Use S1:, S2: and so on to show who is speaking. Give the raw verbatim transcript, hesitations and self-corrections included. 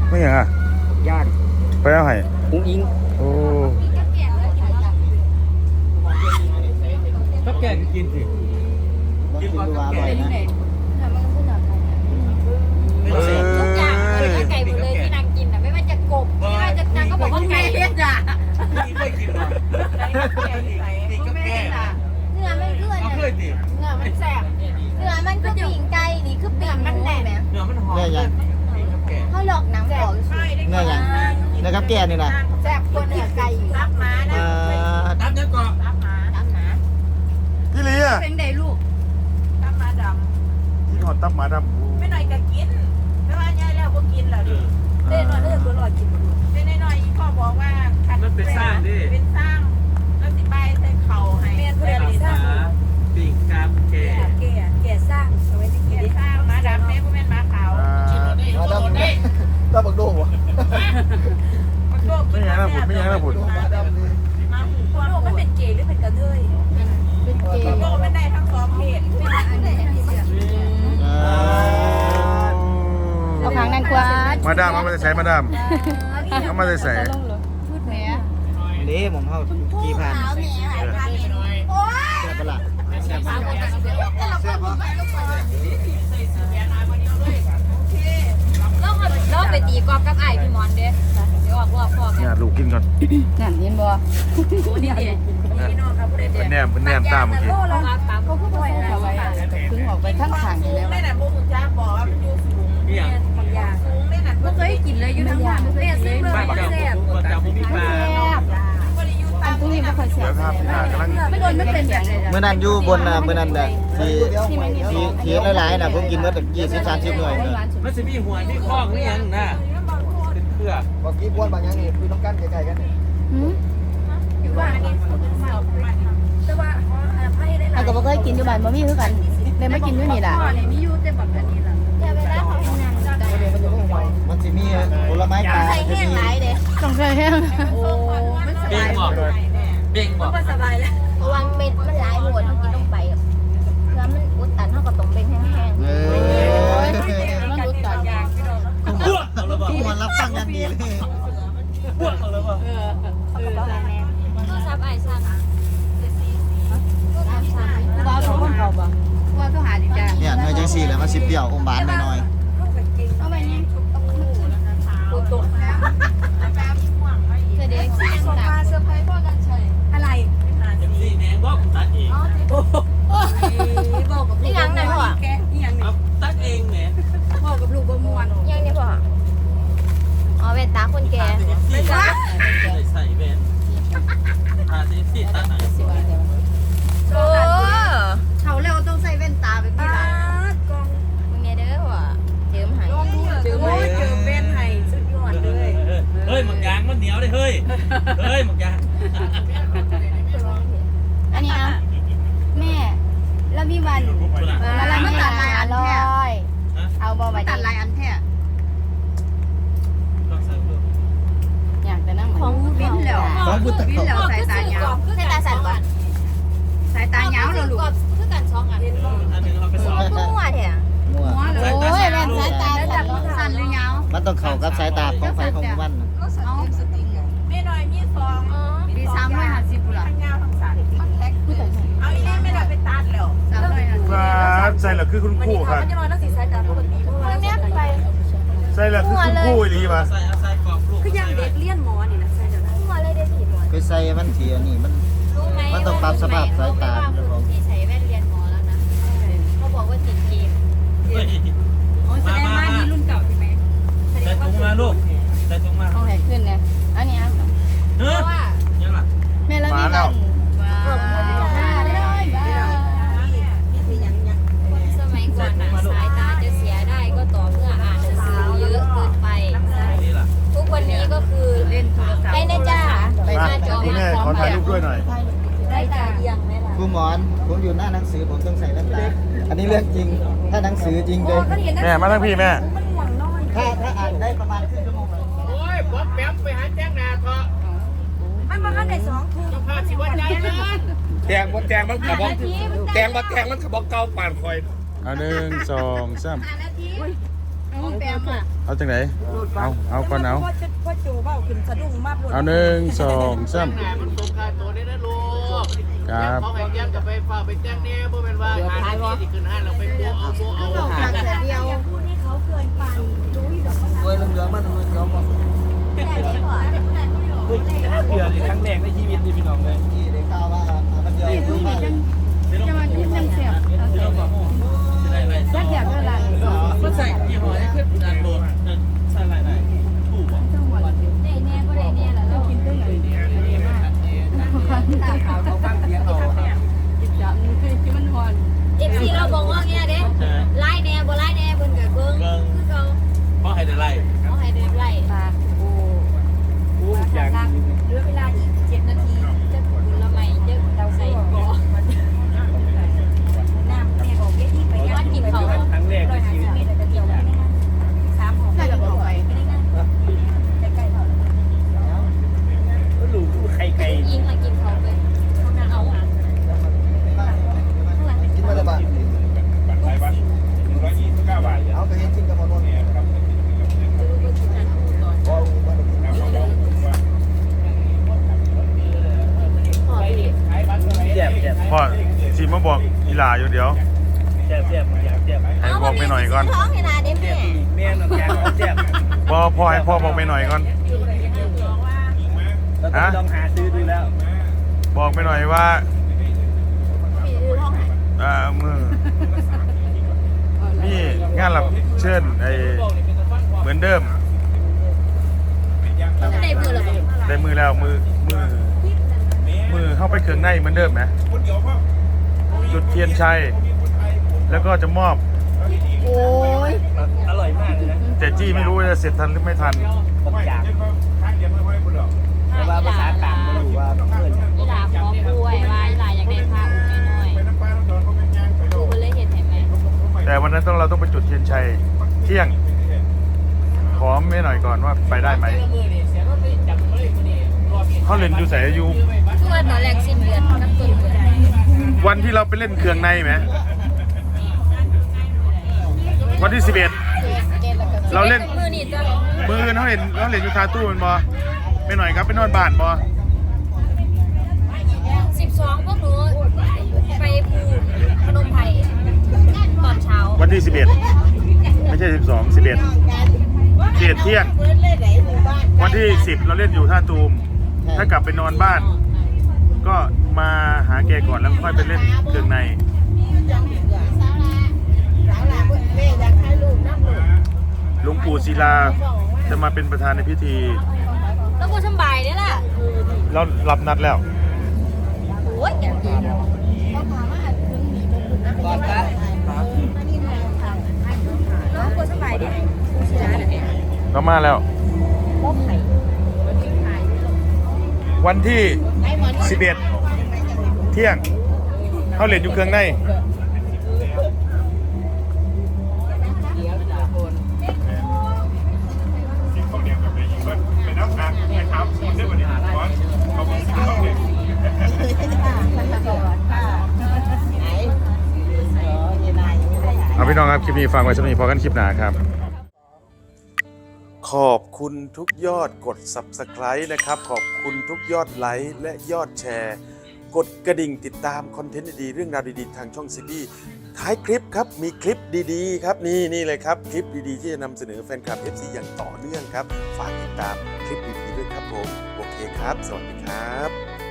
S1: ไม่อย่างอ่ะ
S2: ย่าง
S1: ไปเอาให้
S2: อุ้งอิง
S1: โอ้
S3: ก็แก่กินสิ
S2: กินดูว่าอร่อยนะ
S4: ทุกอย่างเลยไก่หมดเลยที่นางกินอ่ะไม่ว่าจะกบไม่ว่าจะนางก็บอกว่าไก่เล็ดอ่ะ
S3: ไม่กินหรอกนี่ก็แก่
S4: เนื้อมันเกลือเนี่ยเนื้อมันแสบเนื้อมันก็ปิ่งไก่นี่คือปิ่งมันแหลม
S3: เนื้อมันหอม
S2: เนื้อยัง
S4: เขาหลอกหนังบอก
S2: เนื้อยังเนื้อกับแก่นี่นะ
S4: แสบกว่าเนื้อไก่อยู่รับมานะ
S3: ตับเนื้อก่อ
S4: รับมารับมา
S1: พี่ลีอ่ะ
S4: เป็นไงลูกรับมาดำ
S1: กินหอดตับหมาดำ
S4: ไม่หน่อยก็กินไม่ว่าใหญ่แล้วก็กินแล้วดิเล่นหน่อยเล่นตัวหน่อยกินเล่นหน่อยอีพ่อบอกว่า
S3: มันเป็นสร้างดิ
S4: เป็นสร้างแล้วสิใบใส่เข่าให้เพื่อนสร้าง
S3: ปิ่งกาบแก่
S4: แก่แก่สร้างเอาไว้ที่แก่สร้างมาดำแม่พ่อแม่มาขาว
S2: มาดำนี่ตาบักโดวะ
S1: ไม่ยังนะผุดไม่ยังนะผุด
S2: มาดำนี่
S4: มาหูพ่อโลกมันเป็นเกย์หรือเป็นกระเทยเป็นเกย์โลกมันได้ทั้งสองเพศเป็นอันไหนที่เสียเอาครั้งนั้นกว่า
S1: มาดามเอามาใส่มาดามเอามาใส่
S4: พูดแม่
S2: นี่ผมเข้ากี่พัน
S4: โอ้ย
S2: แซ่บปะล่ะแซ่บปะแซ่บปะ
S4: เราไปตีกอล์ฟกับไอ้พี่มอนเด้เดี๋ยวออกว่าพ่อ
S1: เนี่ยลูกกินก่อน
S4: นั่นเห็นบ่นี่
S1: เป็นแนมเป็นแนมตามเมื่อกี้
S4: เขาพูดว่าเขาไว้ถึงออกไปทั้งทางอยู่แล้วไม่น่ะโมกุจ้าบอกว่ามันอยู่สูง
S3: เนี่ย
S4: บางอย่างสูงไม่น่ะบ่เคยกินเลยอยู่ทั้งทางบ่เคยกินเลยบ่แซ่บ
S3: บ่จับบ่มีปลา
S4: อันตรงนี้บ่ค่อยแซ่บไม่โดนไม่เป็นแบบนี้
S2: เมื่อนั้นอยู่บนน่ะเมื่อนั้นได้ที่ที่ที่หลายๆน่ะผมกินมาตั้งยี่สิบ สามสิบหน่วยเลย
S3: มันสิมีหัวมีคอกหรือยังน่ะเป็นเครือ
S2: บ่กี้บ้วนบางอย่างนี่คือต้องกันใกล้ๆกันนี่
S4: หืออยู่บ้านนี่แต่ว่าไผได้หลายก็บ่เคยกินอยู่บ้านบ่มีคือกันเลยมากินอยู่นี่ล่ะอ๋อนี่มีอยู่แต่แบบนี้ล่ะแต่เวลาเขาทำงาน
S2: มันสิมีผลไม้ป่า
S4: จะมีต้องใส่แห้งโอ้มันสบาย
S3: เบ่งบ่
S4: มันสบายแล้วเพราะว่าเม็ดมันหลายหมวดเฮากินลงไปแล้วมันอุดตันเฮาก็ต้องเบ่งแห้งๆเออมันอุดตันยางพี่น้อง
S3: บวกเอาแล้วบ่
S2: มันรับฟังอย่างดีเลย
S3: บวกเอาแล้วบ่
S4: เออเออโทรศัพท์ไอ้สั่งโทรศัพท์สั่งบ่เอาของเขาบ่ว่าโทรหาดิจ้ะ
S2: เนี่ยหน่วยจังซี่แหละมันสิเปรี้ยวอมหวานหน่อย
S4: ๆเอาไปนี่ปุ๊บตุ๊เด็กส่งมาเซอร์ไพรส์พ่อกันชัยอะไร
S3: สี่แหนงบ่ตัดเอง
S4: โอ้บอกกับลูกยังไงพ่อแกยังนี่
S3: ตัดเองแหม
S4: พ่อกับลูกบ่ม่วนยังนี่พ่ออ๋อเวตาคนแก่
S3: ไม่ใช่ใส่แว่นทาสีสีตัดไหน
S4: โอ้เขาแล้วต้องใส่แว่นตาแบบนี้ล่ะกองมึงเนี่ยเด้อว่ะเจิมให้เจิมให้เจิมแว่นให้สุดยอดเลย
S3: เฮ้ยหมึกยางมันเหนียวเลยเฮ้ยเฮ้ยหมึกยาง
S4: อันนี้อ่ะแม่แล้วพี่วันแล้วไม่ตัดลายอันแท้เอาบอไปตัดลายอันแท้อยากแต่นั่งของบิ้นแล้ว
S2: ของพุทธ
S4: บิ้นแล้วสายตายาวสายตาสั่นก่อนสายตายาวเราลูกคือกันสองอ่ะ
S3: อันนึงเราไปสอน
S4: มั่วแท้
S2: มั่ว
S4: โอ้ยแม่สายตาสั่นหรือยาว
S2: มันต้องเข้ากับสายตาของไฟของมัน
S4: เอาไม่น้อยมีสองมีสามร้อยห้าสิบปุ่นละทั้งยาวทั้งสั้นเอาอีนี่ไม่ได้ไปตัดแล้วสามร้อยห้าสิบ
S1: ใส่ละคือคุณครูครับ
S4: มันจะน้อยนักสีสายตาปกติเพราะว่าเนี่ยไป
S1: ใส่ละคือคุณครูอีหลีป่ะ
S3: ใส่ใส่กรอบลูก
S4: คือยังเด็กเลี้ยนหมอนี่นะใส่เดี๋ยวนะหัวเลยเด็กผีหมอ
S2: ไปใส่มันเสียนี่มันมันต้องปรับสภาพสายตา
S4: ที่ใส่แว่นเรียนหมอแล้วนะเขาบอกว่าติดเกมโอ้แสดงว่านี่รุ่นเก่าใช่ไหม
S3: ใส่ถุงมาลูกใส่ถุงมา
S4: ต้องแหกขึ้นเนี่ยอันนี้อ่ะ
S3: เพราะว่ายังล่ะ
S4: แม่แล้วมีวันสมัยก่อนนะสายตาจะเสียได้ก็ต่อเมื่ออ่านหนังสือเยอะเกินไปทุกวันนี้ก็คือเล่นโทรศัพท์ได้นะจ้า
S1: ไปหน้าจอคุณแม่ขอถ่ายรูปด้วยหน่อย
S4: ได้ตาเอียงไหมล่ะ
S2: ครูหมอนผมอยู่หน้าหนังสือผมต้องใส่แว่นตาอันนี้เรื่องจริงถ้าหนังสือจริงเลย
S1: แม่มาทั้งพี่แม่
S2: ถ้าถ้าอ่านได้ประมาณครึ่งชั่วโมงเลย
S3: โอ้ยบ๊อบแป๊บไปหาแจ้งนาเถอะ
S4: มันมาได้สองทุ่ม
S3: พาสิวันใจเลยแจงบ่แจงมันกระบอกแจงบ่แจงมันกระบอกเก่าป่านคอย
S1: อ่ะหนึ่งสองสาม
S4: แปล
S1: เอาจังไหนเอาเอาก่อนเอา
S5: พ่อโจเบ้าขึ้นสะดุ้งมาก
S1: เอาหนึ่งสองสาม
S3: มันตกค่าตัวได้นะลูก
S1: ครับ
S3: เขาให้แก้มกับไปฝากไปแจ้งเนี่ยบ่เป็นว่าหาที่ที่ขึ้นห้างเราไปโบเอาโบเอา
S4: ออกจากแต่เดียวพูดให้เขาเกินไปรู้อยู่ดอกว่า
S2: ด้วยเหลืองๆมาทำไมเขาบอก
S4: แต่เด็กกว่า
S3: เดือนครั้งแรกในชีวิตนี่พี่น้องเลย
S2: ที่ได้ข่าวว่ามันเดียว
S4: จะมาดูจังเสียบ
S3: ที่เราบอกจะได้อะไร
S4: จักอยากเท่าไหร่
S3: ก็ใส่ยี่ห้อนี้ขึ้นดันโดนใส่อะไรถูกป่ะ
S4: ได้แน่ก็ได้แน่แล้วเรากินได้ไหนตาขาวเขาฟังเสียงเราจับมือที่มันหอนเอฟซีเราบอกว่าเงี้ยเด้ไล่แน่บ่ไล่แน่เพิ่นกับเบิ้งคือเขา
S3: เพราะให้ได้ไล่
S4: เขาให้เดินไล่ตาโอ้โหรักเหลือเวลาอีกเจ็ดนาทีจะผลไม้จะเราใส่บ่น้ำแม่บอกเวทีไปย่านกินเขา
S3: ครั้งแรกในชีวิต
S4: สามของใส่กับบอกไปไม่ได้ง่ายใกล้ๆเขา
S3: ก็รู้ใครใคร
S4: ยิงมากินเขาไปเอา
S2: กินมาได้บ้าง
S1: หลายบาทหนึ่งร้อยยี่สิบเก้าบาท
S2: เอาไปเห็นกินกับมันว่าพอมาได้กิน
S3: เจ็บเจ็บ
S1: พ่อสีมาบอกอีหลาอยู่เดี๋ยว
S3: เจ็บเจ็บเจ็บ
S1: ให้บอกไปหน่อยก่อน
S4: ท้องเวลาเด้แม่
S3: แม่นแกเจ็บ
S1: พ่อพ่อให้พ่อบอกไปหน่อยก่อน
S3: เราต้องลองหาซื้อดูแล้ว
S1: บอกไปหน่อยว่า
S4: ปีดูท้องหาย
S1: อ่ามือนี่งานหลับเชิญไอเหมือนเดิม
S4: ได้มือหรอ
S1: ได้มือแล้วมือมือมือเข้าไปเครื่องในเหมือนเดิมนะจุดเทียนชัยแล้วก็จะมอบ
S4: โอ้ย
S3: อร่อยมากเลยนะ
S1: แต่จี้ไม่รู้ว่าจะเสร็จทันหรือไม่ทัน
S3: บางอย่างแต่ว่าภาษากลางไม่รู้ว่าเพื่อน
S4: อีหลาขอป่วยว่าอีหลาอยากได้พาอุ้มน้อยๆดูไปเลยเห็นเห็นไหม
S1: แต่วันนั้นต้องเราต้องไปจุดเทียนชัยเที่ยง ขอไม่หน่อยก่อนว่าไปได้ไหมเขาเล่นอยู่ใส่อยู่
S4: คือว่าตอนแรกสิ้นเดือนน้ำตุนเดือน
S1: วันที่เราไปเล่นเครื่องในไหมวันที่สิบเอ็ดเราเล่น
S4: มือนี่จ้ะ
S1: มือเขาเห็นเขาเล่นอยู่คาตู้มันบอไม่หน่อยครับไปนอนบ้านบอ
S4: สิบสองพวกหนูไปภูพนมไพรตอนเช้า
S1: วันที่สิบเอ็ดไม่ใช่สิบสอง สิบเอ็ดเขตเที่ยงวันที่สิบเราเล่นอยู่ท่าตูมถ้ากลับไปนอนบ้าน ก็มาหาแกก่อนแล้วค่อยไปเล่นเครื่องในหลวงปู่ศิลาจะมาเป็นประธานในพิธี
S4: แล้วกูสบายเนี่ยล่ะ
S1: เรารับนัดแล้ว
S4: โอ้ยอย่างดีเขาพามาถึงมีตรงนั้นน้องกูสบายดิกูเสียเนี่ย
S1: เรามาแล้ว
S4: บ่ไข่
S1: วันที่สิบเอ็ดเที่ยงเขาเล่นอยู่เครื่องในเอาพี่น้องครับคลิปนี้ฟังไว้สักนิดพอกันคลิปหน้าครับ ขอบคุณทุกยอดกด ซับสไครบ์ นะครับขอบคุณทุกยอดไลค์และยอดแชร์ กดกระดิ่งติดตามคอนเทนต์ดีๆเรื่องราวดีๆทางช่องซีบีท้ายคลิปครับมีคลิปดีๆครับนี่นี่เลยครับคลิปดีๆที่จะนำเสนอแฟนคลับ เอฟ ซี อย่างต่อเนื่องครับฝากติดตามคลิปดีๆด้วยครับผมโอเคครับสวัสดีครับ